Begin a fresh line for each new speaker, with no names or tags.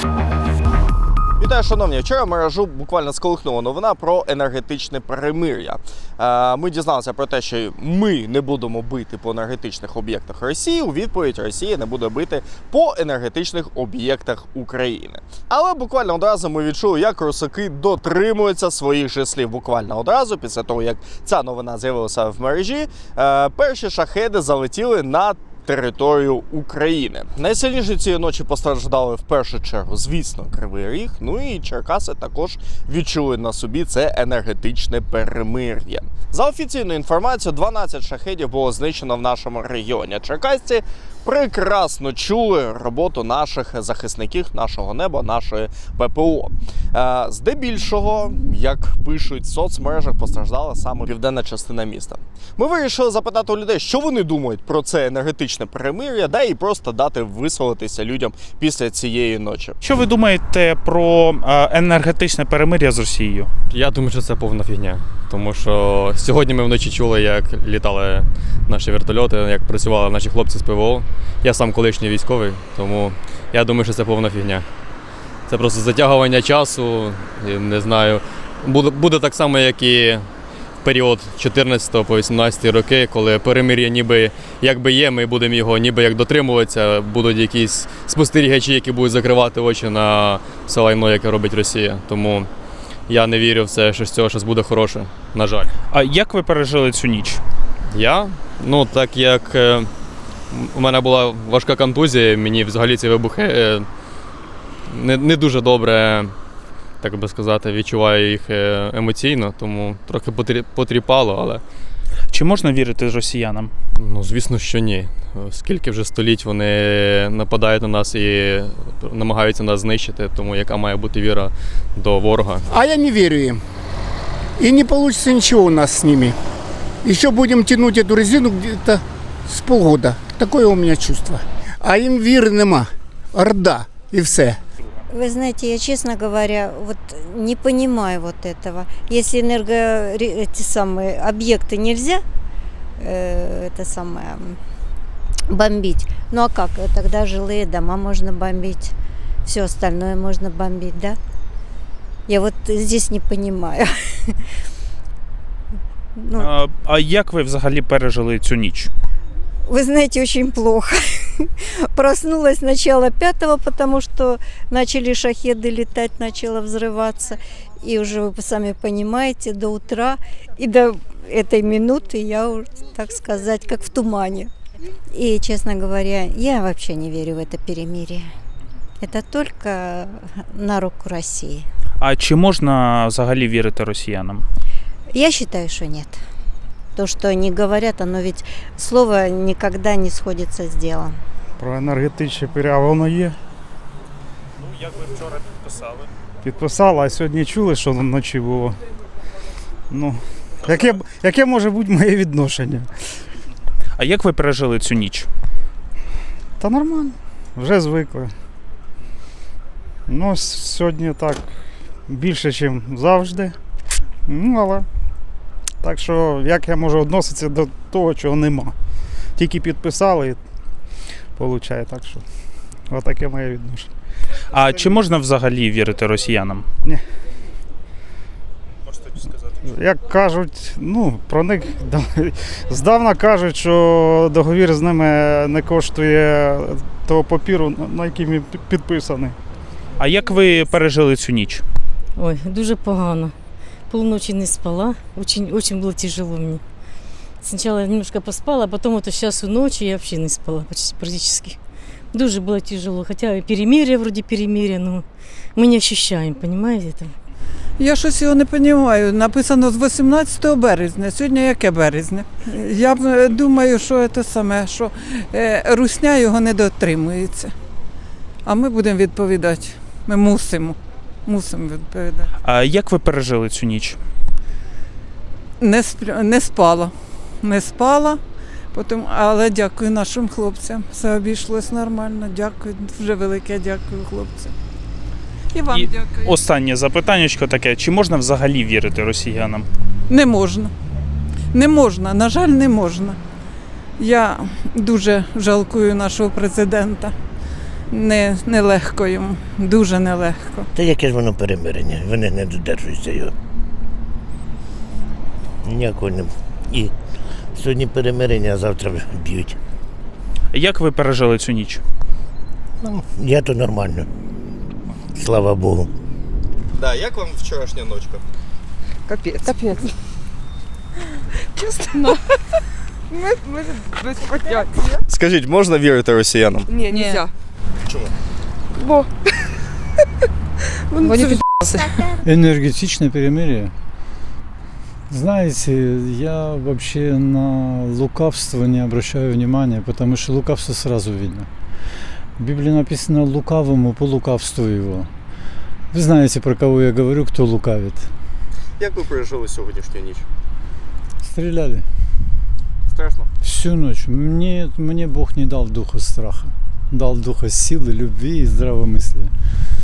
Вітаю, шановні! Вчора мережу буквально сколихнула новина про енергетичне перемир'я. Ми дізналися про те, що ми не будемо бити по енергетичних об'єктах Росії. У відповідь Росія не буде бити по енергетичних об'єктах України. Але буквально одразу ми відчули, як русаки дотримуються своїх же слів. Буквально одразу, після того, як ця новина з'явилася в мережі, перші шахеди залетіли на територію України. Найсильніше цієї ночі постраждали в першу чергу, звісно, Кривий Ріг, ну і Черкаси також відчули на собі це енергетичне перемир'я. За офіційною інформацією, 12 шахедів було знищено в нашому регіоні. Черкасці прекрасно чули роботу наших захисників, нашого неба, нашої ППО. Здебільшого, як пишуть в соцмережах, постраждала саме південна частина міста. Ми вирішили запитати у людей, що вони думають про це енергетичне перемир'я, і просто дати висловитися людям після цієї ночі.
Що ви думаєте про енергетичне перемир'я з Росією?
Я думаю, що це повна фігня. Тому що сьогодні ми вночі чули, як літали наші вертольоти, як працювали наші хлопці з ПВО. Я сам колишній військовий, тому я думаю, що це повна фігня. Це просто затягування часу, не знаю. Буде так само, як і в період 14 по 18 роки, коли перемир'я ніби якби є, ми будемо його ніби як дотримуватися, будуть якісь спостерігачі, які будуть закривати очі на все лайно, яке робить Росія. Тому я не вірю в це, що з цього щось буде хороше, на жаль.
А як ви пережили цю ніч?
Я? Ну, так як у мене була важка контузія, мені взагалі ці вибухи не дуже добре, так би сказати, відчуваю їх емоційно, тому трохи потріпало, але...
Чи можна вірити росіянам?
Ну, звісно, що ні. Скільки вже століть вони нападають на нас і намагаються нас знищити, тому яка має бути віра до ворога?
А я не верю им. И не получится ничего у нас с ними. Еще будем тянуть эту резину где-то с полгода. Такое у меня чувство. А им віри нема. Орда и все.
Вы знаете, я, честно говоря, вот не понимаю вот этого. Если эти самые объекты нельзя, бомбить, ну а как? Тогда жилые дома можно бомбить, все остальное можно бомбить, да? Я вот здесь не понимаю.
А як ви взагалі пережили цю ніч?
Вы знаете, очень плохо. Проснулась сначала 5-го, потому что начали шахеды летать, начало взрываться. И уже вы сами понимаете, до утра и до этой минуты я, так сказать, как в тумане. И, честно говоря, я вообще не верю в это перемирие. Это только на руку России.
А чи можна взагалі вірити росіянам?
Я считаю, что нет. То, что они говорят, оно ведь слово никогда не сходится с делом.
Про енергетичне перемир'я воно є.
Ну, як ви вчора підписали?
Підписала, а сьогодні чули, що вночі було. Ну, яке може бути моє відношення?
А як ви пережили цю ніч?
Та нормально, вже звикли. Ну, сьогодні так більше, ніж завжди. Ну, але так що, як я можу відноситися до того, чого нема. Тільки підписали, і виходить, так що отаке моє відношення.
А чи можна взагалі вірити росіянам?
Ні.
Можете сказати?
Як кажуть, ну, про них здавна кажуть, що договір з ними не коштує того папіру, на який він підписаний.
А як ви пережили цю ніч?
Ой, дуже погано. Полночи не спала, очень было тяжело мне. Сначала я немножко поспала, а потом вот сейчас у ночи я вообще не спала практически. Дуже было тяжело, хотя перемирие, вроде перемирие, но мы не ощущаем, понимаете этого?
Я щось його не розумію. Написано з 18 березня. Сьогодні яке березня? Я думаю, що це саме, що русня його не дотримується. А ми будемо відповідати. Ми мусимо відповідати.
А як ви пережили цю ніч?
Не спала, але дякую нашим хлопцям. Все обійшлось нормально. Дякую, дуже велике дякую хлопцям. І вам дякую.
Останнє запитаннячко таке. Чи можна взагалі вірити росіянам?
Не можна. Не можна, на жаль, не можна. Я дуже жалкую нашого президента. нелегко йому, дуже нелегко.
Та яке ж воно перемирення? Вони не додержуються його. Ніякого не. І сьогодні перемирення, а завтра б'ють.
Як ви пережили цю ніч?
Ну, я то нормально. Слава Богу.
Да, як вам вчорашня ночка?
Капець. Чесно. Ми без поняття.
Скажіть, можна вірити росіянам?
Ні, нельзя.
Чому?
Бо. Вони
Энергетичное перемирие. Знаете, я вообще на лукавство не обращаю внимания, потому что лукавство сразу видно. В Библии написано «лукавому по лукавству его». Вы знаете, про кого я говорю, кто лукавит.
Як ви пережили сьогоднішню ніч?
Стреляли
Страшно?
всю ночь. Мне Бог не дал духа страха. Дал духа силы, любви и здравомыслия.